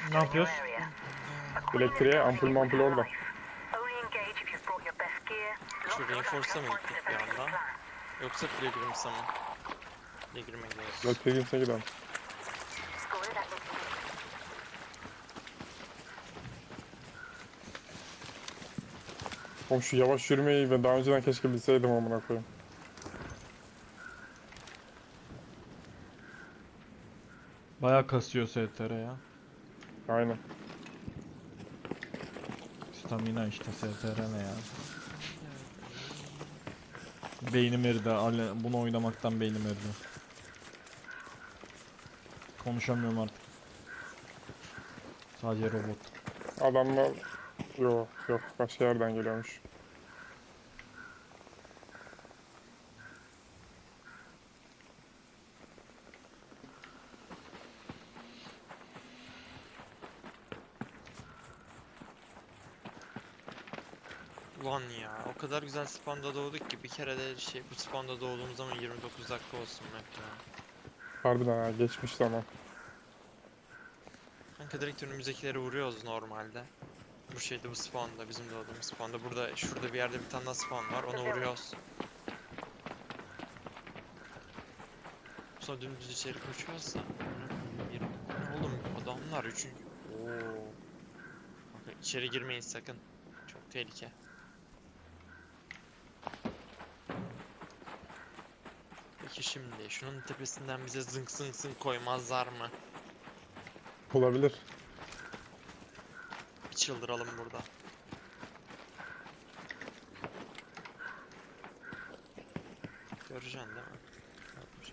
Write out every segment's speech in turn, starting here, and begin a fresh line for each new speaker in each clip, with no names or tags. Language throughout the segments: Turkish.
Ne yapıyoruz?
Elektriğe ampul orada.
Şu Reinforce'a mı gittik bir anda? Yoksa Pilgrims'a mı? Pilgrim'e gidiyoruz.
Gel Pilgrims'e gidelim. Oğlum şu yavaş yürümeyi ve daha önceden keşke bilseydim amına koyayım.
Bayağı kasıyor STR ya.
Aynen.
Stamina işte STR ne ya. Beynim eridi. Bunu oynamaktan beynim eridi. Konuşamıyorum artık. Sadece robot.
Adamlar yok başka yerden geliyormuş.
Ulan ya, o kadar güzel spawn'da doğduk ki bir kere de bu spawn'da doğduğumuz zaman 29 dakika olsun map ya.
Harbiden ha geçmiş zaman.
Kanka direkt önümüzdekileri vuruyoruz normalde. Bu spawn'da, bizim doğduğumuz spawn'da. Şurada bir yerde bir tane daha spawn var, onu vuruyoruz. Sonra dümdüz içeri koşuyoruz da. Oğlum adamlar üçüncü. Oo. Bakın içeri girmeyin sakın. Çok tehlike. Peki şimdi şunun tepesinden bize zınk zınk zınk koymazlar mı?
Olabilir.
Bir çıldıralım burada. Göreceksin değil mi? Görmeyeceksin.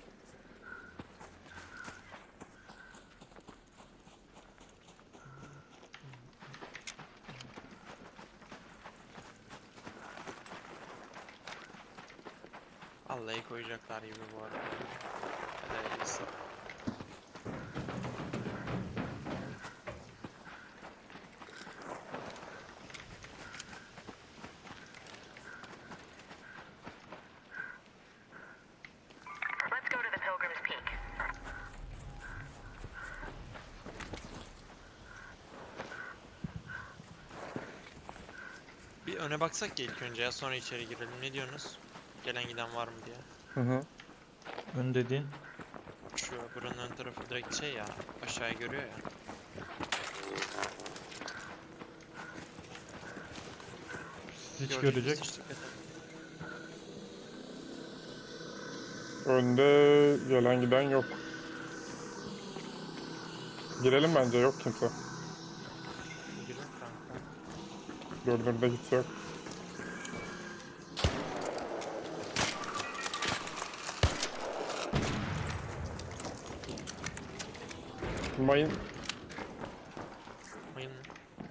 Vallahi koyacaklar gibi bu arada. Hadi hayırlısı. Bir öne baksak ya ilk önce ya, sonra içeri girelim. Ne diyorsunuz? Gelen giden var mı diye.
Hı hı.
Ön dediğin.
Şu buranın ön tarafı direkt şey ya, aşağıya görüyor ya.
Hiç
Gördük biz
görecek.
işte.
Önde gelen giden yok. Girelim bence yok kimse.
Girin kanka.
Görünürde kimse yok. Mayın
Mayın mı?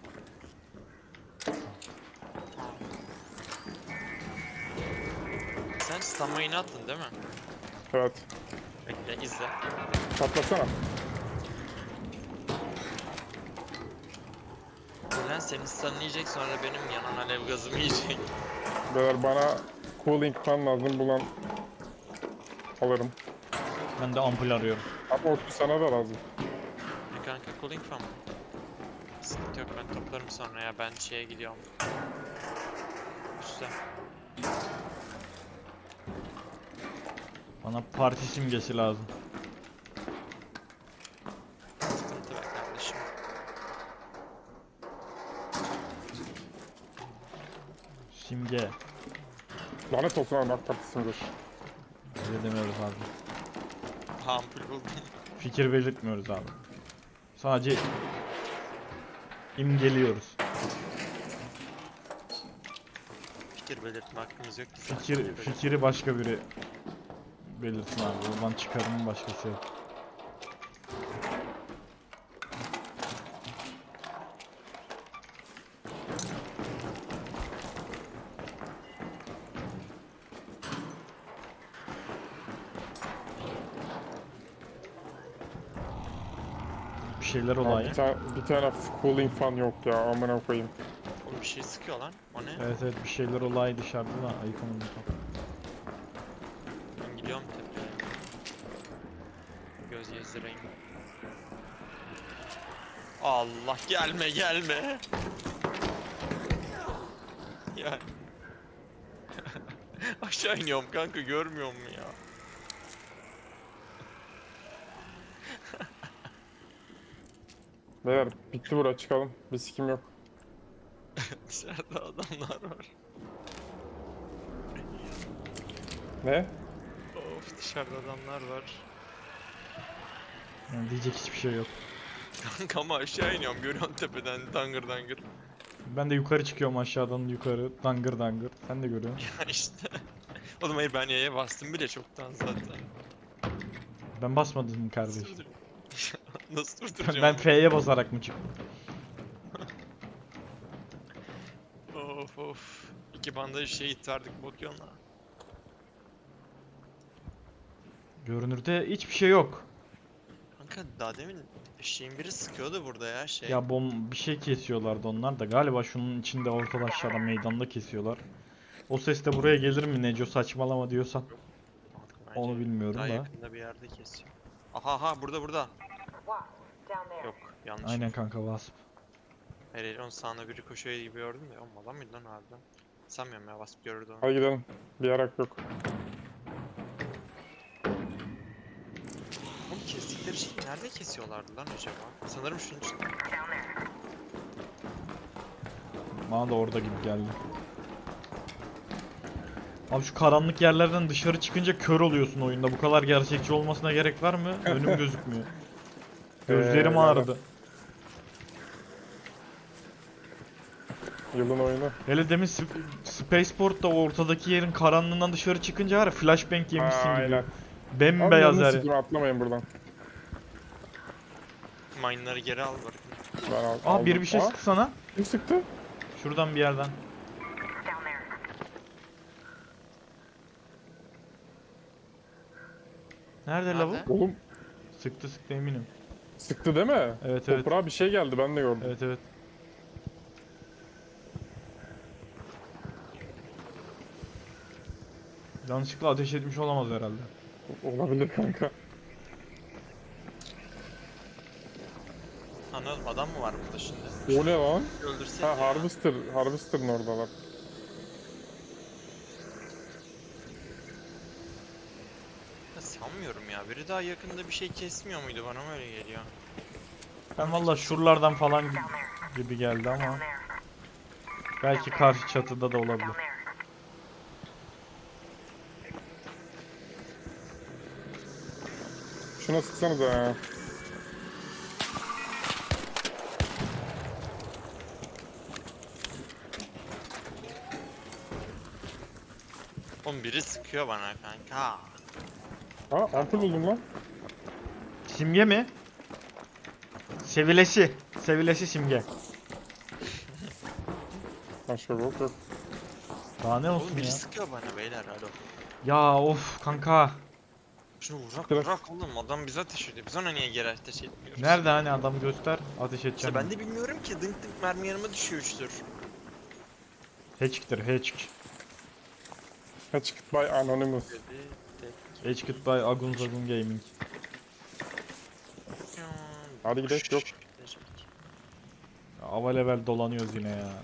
Sen stun mayını attın değil mi?
evet.
Bekle izle.
Patlasana.
Ulan seni stunlayacak, sonra benim yanan alev gazımı yiyecek.
Beyler bana cooling fan lazım bulan alırım.
Ben de ampul arıyorum.
Ama o sana da lazım.
Kanka cooling fan mı? Sıkıntı yok, ben toplarım sonra ya, ben şeye gidiyorum. Üste.
Bana parti simgesi lazım.
Sıkıntı be kardeşim.
Simge.
Lanet olsun abi AK Partisi'ndir.
Öyle demiyoruz abi.
Ampul buldum.
Fikir belirtmiyoruz abi. Sadece imgeliyoruz.
Fikir belirtme hakkımız yok ki.
Fikri başka biri belirsin abi. Oradan çıkarımın başkası yok. Bir şeyler
Abi
olayı.
bir tane cooling fan yok ya amına koyayım.
Oğlum bir şey sıkıyor lan. O ne?
Evet evet, bir şeyler olayı dışarıda da ayıkamadım tam.
Ben gidiyorum tepeye. Göz gezdireyim. Allah gelme gelme. Ya. Aşağı iniyorum kanka, görmüyor musun ya?
Beyler bitti bura, çıkalım. Bir sikim yok.
Dışarıda adamlar var.
Ne?
Of, dışarıda adamlar var.
Yani diyecek hiçbir şey yok.
Kanka ama aşağı iniyorum, görüyorsun tepeden dangır dangır.
Ben de yukarı çıkıyorum aşağıdan yukarı. Dangır dangır. Sen de görüyorsun.
Ya işte. Oğlum hayır, ben yaya bastım bile çoktan zaten.
Ben basmadım mı kardeşim?
Durdur- Nasıl durduracağım?
Ben
onu?
F'ye basarak mı çıktım?
Of of. İki bandaj şehit verdik Bokyon'la.
Görünürde hiçbir şey yok.
Kanka daha demin şeyin biri sıkıyordu burada ya şey.
Ya bir şey kesiyorlardı onlar da. Galiba şunun içinde ortada aşağıda meydanda kesiyorlar. O ses de buraya gelir mi Neco, saçmalama diyorsan.
Bence
Onu bilmiyorum
daha
da.
yakında bir yerde kesiyor. Aha burada. Yok, yanlış.
Aynen kanka, Wasp.
Hayır onun sağına biri koşuyor gibi gördüm de. Oğlum adam mıydı lan harbiden? Sanmıyorum ya, Wasp görürdü onu.
Hadi gidelim. Bir yarak yok.
Oğlum kestikleri şeyi nerede kesiyorlardı lan acaba? Sanırım şunun için.
Bana da orada gibi geldi. Abi şu karanlık yerlerden dışarı çıkınca kör oluyorsun oyunda. Bu kadar gerçekçi olmasına gerek var mı? Önüm gözükmüyor. Gözlerim
yani.
ağrıdı.
Yılın oyunu.
Hele demin Spaceport'ta ortadaki yerin karanlığından dışarı çıkınca var ya, flashbang yemişsin gibi.
Aynen. Abi
Bembeyaz
yanını
her yer.
sikeyim, atlamayın buradan.
Mine'ları geri al bırak.
Ben
Aa, biri bir şey
Aa,
sıktı sana.
kim sıktı?
Şuradan bir yerden. Nerede lavuk?
Nerede?
Oğlum
Sıktı eminim.
sıktı değil mi?
Evet.
Toprağa bir şey geldi, ben de gördüm.
Evet. Yanlışlıkla ateş etmiş olamaz herhalde.
Olabilir kanka.
Anladım, adam mı var burada şimdi?
O ne lan?
Öldürsek
Ha,
ya.
Harvester'ın oradalar.
Ya sanmıyorum ya. Biri daha yakında bir şey kesmiyor muydu? Bana mı öyle geliyor?
Ben valla şuralardan falan gibi geldi ama belki karşı çatıda da olabilir.
Şuna sıksanıza ya.
Oğlum biri sıkıyor bana kanka.
Ha, ampul buldum lan.
Simge mi? Sevilesi. Sevilesi simge.
Başka yok yok.
Daha ne
Oğlum
olsun
biri
ya?
sıkıyor bana beyler, alo.
Ya of kanka.
Şunu
Biraz-
bırak oğlum, adam bize ateş ediyor. Biz ona niye geri ateş etmiyoruz?
Nerede hani adam, göster. Ateş
İşte
edeceğim.
ben de bilmiyorum ki, dınk dınk mermi yanıma düşüyor 3'tür.
Hatch'tir Hatch.
Hatched by Anonymous.
Dedi tek.
Hatched by Agun Zagun Gaming.
Hadi gidelim, yok.
Ava level dolanıyoruz yine ya.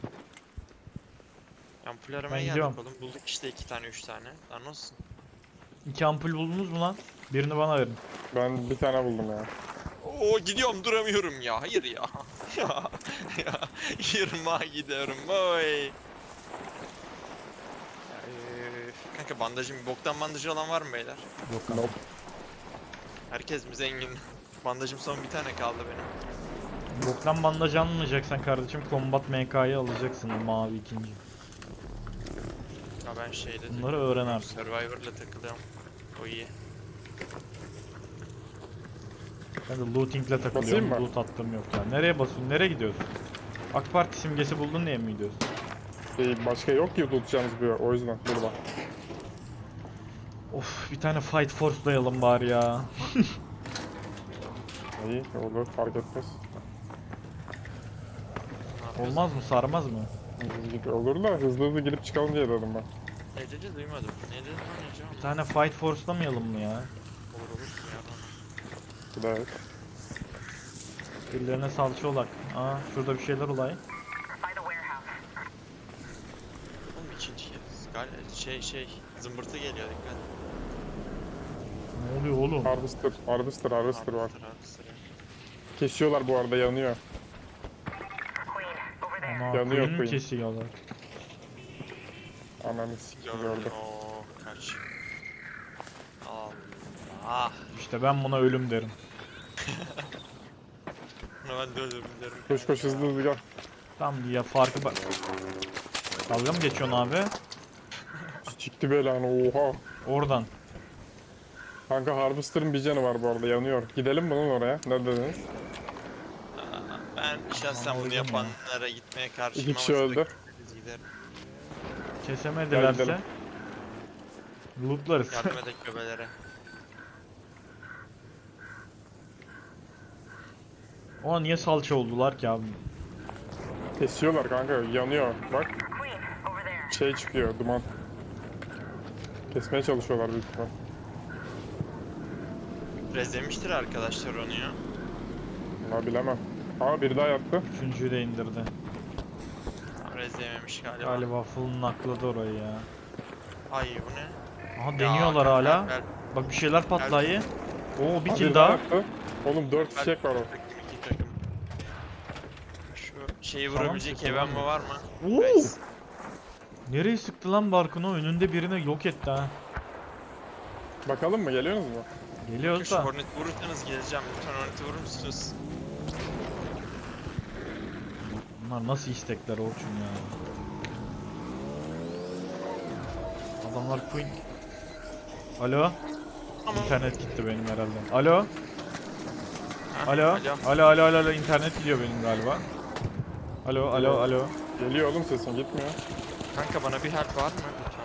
Ampul aramaya
gidiyorum.
geldik oğlum. Bulduk işte 2 tane 3 tane. Daha nasıl?
2 ampul buldunuz mu lan? Birini bana verin.
Ben bir tane buldum ya.
Oo, gidiyorum, duramıyorum ya. Hayır ya. ya. Yırmağa gidiyorum. Oy. Ya, kanka bandajım, boktan bandajı olan var mı beyler?
Yok kanka.
Nope.
Herkes mi zengin? Bandajım son bir tane kaldı benim.
Boktan bandaj almayacaksan kardeşim Combat MK'yı alacaksın, mavi ikinci.
Ya ben şeyde
Bunları öğren artık.
Survivor'la takılıyorum. O iyi.
Ben de lootingle
Basayım
takılıyorum,
mı?
loot attığım yok ya. Nereye basıyorsun, nereye gidiyorsun? AK Parti simgesi buldun diye mi gidiyorsun?
Başka yok ki tutacağımız bir yer, o yüzden burada.
Of, bir tane Fight Force'layalım bari ya.
İyi olur, fark etmez.
Ne yapıyorsun?
Olmaz mı, sarmaz mı?
Olur da hızlı girip çıkalım diye dedim ben.
Ne dedi duymadım. Ne dedi lan Ece?
Bir tane Fight Force'lamayalım mı ya?
Olur ya bana.
Bir daha et.
Birilerine salça olak. Aa şurada bir şeyler olay.
Oğlum ikinci kez. Şey zımbırtı geliyor dikkat.
Ne oluyor oğlum?
Harvester var.
Harvester, harvester ya.
Kesiyorlar bu arada, yanıyor.
Ana
Yanıyor
Queen mi
Queen.
kesiyorlar?
Ananı sikim
Gördüm.
gördüm.
Oo, kaç. Allah.
İşte ben buna ölüm derim.
Bunu ben de öldürdüm derim.
Koş koş, hızlı hızlı gel.
Tamam ya farkı bak. Dalga mı geçiyorsun abi?
Çıktı belanı, oha.
Oradan.
Kanka Harvester'ın bir canı var bu arada, yanıyor. Gidelim mi lan oraya? Ne dediniz?
Ben şahsen bunu
Anladım ya.
yapanlara gitmeye karşıyım.
İki kişi
ama
öldü.
biz giderim.
Kesemedilerse
gidelim.
lootlarız.
Yardım edek göbelere.
Ama niye salça oldular ki abi?
Kesiyorlar kanka, yanıyor. Bak. Şey çıkıyor, duman. Kesmeye çalışıyorlar büyük ihtimal.
Rezlemiştir arkadaşlar onu ya.
Ama bilemem. Aa, biri daha yattı.
Üçüncüyü de indirdi.
Tam rezleyememiş galiba.
Galiba full nakladı orayı ya.
Ay bu ne?
Aha deniyorlar
Ya,
hala.
gel,
Bak bir şeyler patlayı. Oo bir
Aa,
kill
biri
daha.
yattı. Oğlum 4
gel.
fişek var o.
İki takım. Şu şeyi
Tamam,
vurabilecek
sıkıntı
heven mi
yok.
var mı?
Oo!
Nice.
Nereye sıktı lan Barkın'ı? Önünde birini yok etti ha.
Bakalım mı, geliyorsunuz mu?
Geliyoruz
Şu
da.
Hornet vurursanız geleceğim. Lütfen Hornet'i vurur musunuz?
Bunlar nasıl istekler Orçun ya. Adamlar Queen. Alo.
Tamam.
İnternet gitti benim herhalde. Alo.
Ha,
Alo. Alo. İnternet gidiyor benim galiba. Alo.
Geliyor oğlum, sesin gitmiyor.
Kanka bana bir help var mı lütfen?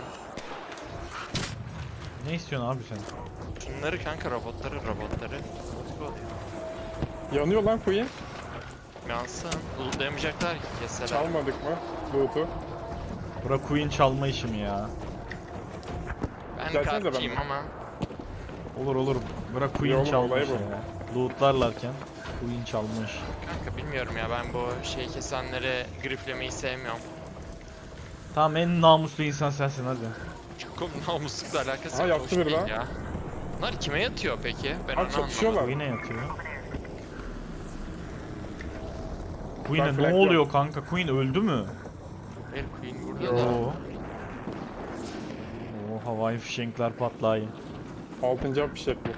Ne istiyorsun abi sen?
Şunları kanka robotları. Let's go.
Yanıyor lan Queen.
Yansın. Lootlayamayacaklar ki keseler.
Çalmadık mı loot'u?
Bura Queen çalma işi mi ya?
Ben
Gelsenize
kartçıyım
benimle.
ama.
Olur. Bura Queen
Yok,
çalma
olay
işi
bu.
ya. Lootlarlarken Queen çalmış.
Kanka bilmiyorum ya, ben bu şey kesenleri griflemeyi sevmiyorum.
Tamam en namuslu insan sensin hadi.
Çok namuslukla alakası
Aha,
yok.
yattı
Hoş
biri
değil
daha.
ya. Bunlar kime yatıyor peki? Ben
Abi
onu
çatışıyorlar.
anlamadım.
Queen'e yatıyor. Queen'e ne
flank
oluyor kanka? Queen öldü mü?
El Queen burada
Yo.
da.
Oo. Oo havai fişenkler patlayın.
6. fişek bu.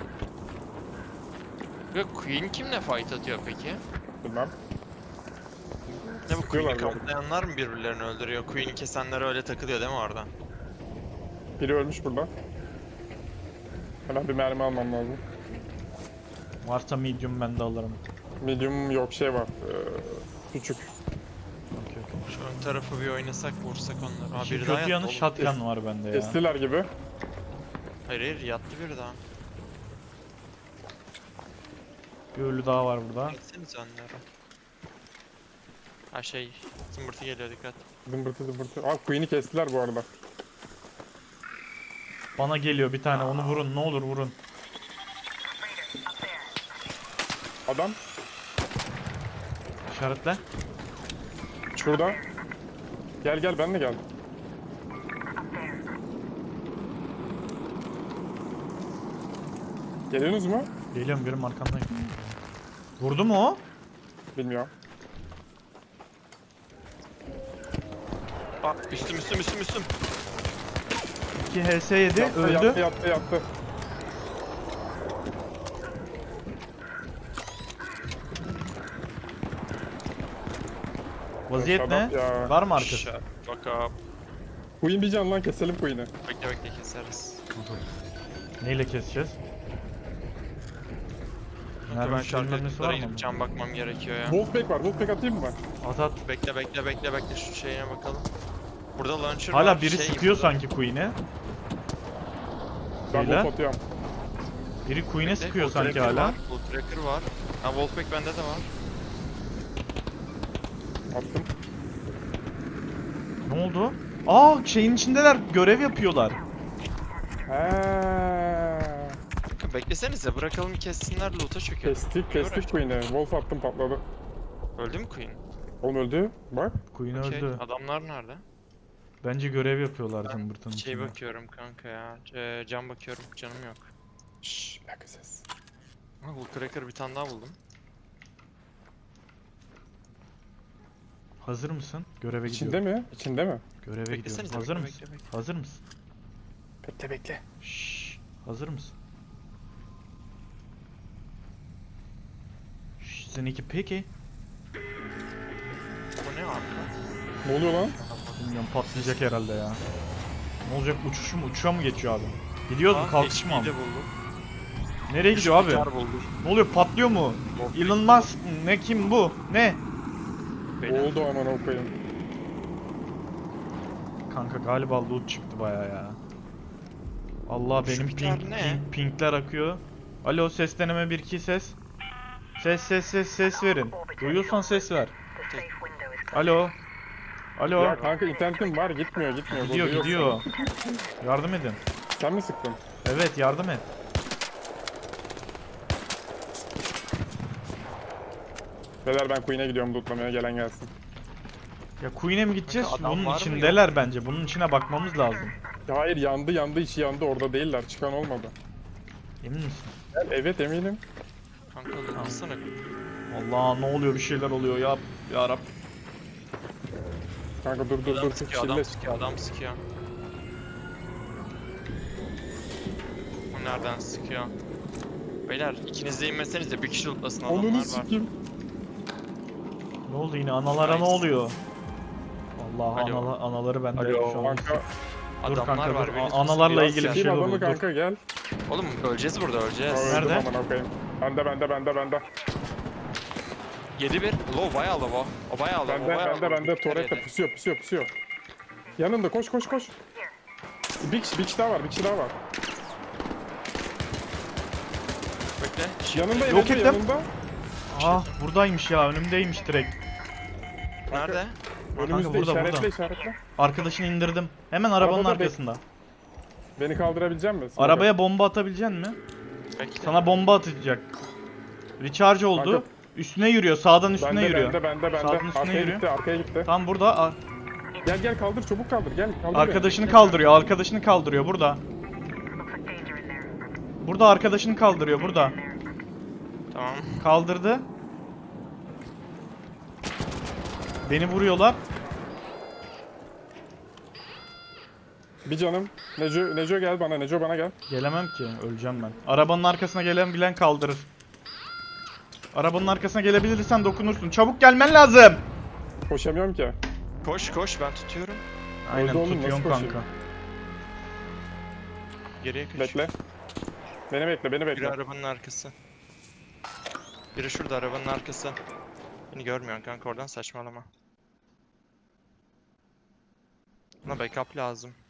Ya Queen kimle fight atıyor peki?
Bilmem.
Ne bu
Sıkıyorlar
Queen'i
galiba.
kaplayanlar mı birbirlerini öldürüyor? Queen'i kesenler öyle takılıyor değil mi orada?
Biri ölmüş burada. Hemen bir mermi almam lazım.
Varsa medium ben de alırım.
Medium yok, şey var. Küçük.
Okey.
Şu ön tarafı bir oynasak, vursak onları. Aa,
İşin
biri daha
kötü
yattı
yanı
oğlum.
shotgun var bende ya.
Kestiler gibi.
Hayır yattı biri daha.
Bir ölü daha var burada.
Etseniz onları. Ha şey, zımbırtı geliyor dikkat.
Dımbırtı. Aa, Queen'i kestiler bu arada.
Bana geliyor bir tane onu vurun ne olur vurun.
Adam
İşaretle.
şurada. Gel ben de gel. Geliyorsunuz mu?
Geliyorum birim arkandayım. Vurdu mu o?
Bilmiyorum.
Aa üstüm.
2 HS yedi öldü.
Yattı.
Vaziyet ne?
Şadap ya.
Var mı arkası?
Shut fuck up.
Queen bir can lan, keselim Queen'i.
Bekle keseriz.
Neyle keseceğiz?
Kanka
Nereden
ben şarkı
sürülmesi var mı?
gidip can bakmam gerekiyor ya.
Wolfpack var. Wolfpack atayım mı ben?
At at.
Bekle şu şeyine bakalım. Burada launcher
Hala
var.
biri
şey,
sıkıyor
burada-
sanki Queen'e.
Ben
Beyler.
Wolf atıyorum.
Biri Queen'e
Bekle,
sıkıyor
Bull
sanki
Tracker
hala.
Var, Bull Tracker var. Ha Wolfpack bende de var.
Attım.
Ne oldu? Şeyin içindeler görev yapıyorlar.
Heee.
Kanka beklesenize bırakalım kessinler loot'a çökelim.
Kestik Queen'i. Wolf attım patladı.
Öldü mü Queen?
Oğlum öldü. Bak.
Queen
Okey,
öldü.
adamlar nerede?
Bence görev yapıyorlar zımbırtının
Şey
içinde.
bakıyorum kanka ya. Cam bakıyorum, canım yok.
Şşş bir dakika ses.
Ha, Woodcracker bir tane daha buldum.
Hazır mısın? Göreve
İçinde
gidiyorum.
mi? İçinde mi?
Göreve gidiyorum.
Beklesenize,
Hazır
bekle,
mısın?
bekle.
Hazır mısın?
Bekle.
Şşş. Hazır mısın? Şşş, seninki peki.
Bu ne arka?
Ne oluyor lan?
Bilmiyorum, patlayacak herhalde ya. Ne olacak, uçuşa mı geçiyor abi? Gidiyoruz mu, kalkış mı
HP'yi
abi?
de buldum.
Nereye gidiyor abi?
Gitar buldum.
Ne oluyor, patlıyor mu? Elon Musk mı? Ne, kim bu? Ne?
Beyler,
Oldu aman okuyayım.
Kanka galiba loot çıktı baya ya. Allah,
Şu
benim
gitar ne?
pinkler akıyor. Alo, ses deneme 1-2 ses. Ses verin. Duyuyorsan ses ver. Alo. Alo.
Ya kanka internetim var gitmiyor.
Gidiyor. Yardım edin.
Sen mi sıktın?
Evet, yardım et.
Beyler ben Queen'e gidiyorum lootlamaya gelen gelsin.
Ya Queen'e mi gideceğiz?
Kanka, adam
Bunun
var mı,
içindeler bence. Bunun içine bakmamız lazım.
Ya hayır yandı içi yandı orada değiller çıkan olmadı.
Emin misin?
Evet eminim.
kanka lootlasana.
Allah, ne oluyor, bir şeyler oluyor ya Rab.
Kanka dur
Adam sıkıyor, adam
çille.
sıkıyor, adam sıkıyor. O nereden sıkıyor? Beyler ikiniz de inmeseniz de bir kişi lootlasın, adamlar
Onunu
var.
sikeyim.
Ne oldu yine, analara ne
Nice.
oluyor? Allah,
Alo.
anaları bende
Alo.
şu an.
Kanka
Dur
Adamlar
kanka,
var.
dur.
beni
Analarla
tutuyor.
ilgili bir
sikeyim
şey
adamı
dur.
kanka gel.
Oğlum öleceğiz burada, öleceğiz.
Aa, öldüm
Nerede?
aman okuyayım. Bende.
7-1. Low, bayağı low o. O bayağı low, o bayağı low.
Bende
Dikkat
Toret'te
edin.
pusuyor. Yanında koş. Bir kişi daha var.
Bekle.
Yanında
Yok
Emre,
ettim.
yanında.
Ah, buradaymış ya, önümdeymiş direkt.
Nerede?
Önümüzde
burada.
işaretle.
Arkadaşını indirdim. Hemen arabanın
Arabada
arkasında.
Beni kaldırabilecek misin?
Arabaya bomba atabilecek mi?
Bekle.
Sana bomba atacak. Recharge oldu.
Kanka.
Üstüne yürüyor. Sağdan üstüne yürüyor.
Bende.
Sağdan üstüne yürüyor.
Arkaya gitti.
Tam burada.
Gel kaldır çabuk kaldır gel. Kaldır
Arkadaşını kaldırıyor burada. Burada arkadaşını kaldırıyor burada.
Tamam.
Kaldırdı. Beni vuruyorlar.
Bir canım. Neco gel bana. Neco bana gel.
Gelemem ki. Öleceğim ben. Arabanın arkasına bilen kaldırır. Arabanın arkasına gelebilirsen dokunursun. Çabuk gelmen lazım.
Koşamıyorum ki.
Koş ben tutuyorum.
Aynen,
oğlum, nasıl
tutuyorum
koşayım?
kanka.
Geriye kaç.
Bekle. Beni bekle.
Biri arabanın arkası. Biri şurada arabanın arkası. Beni görmüyorsun kanka, oradan saçmalama. Buna backup lazım.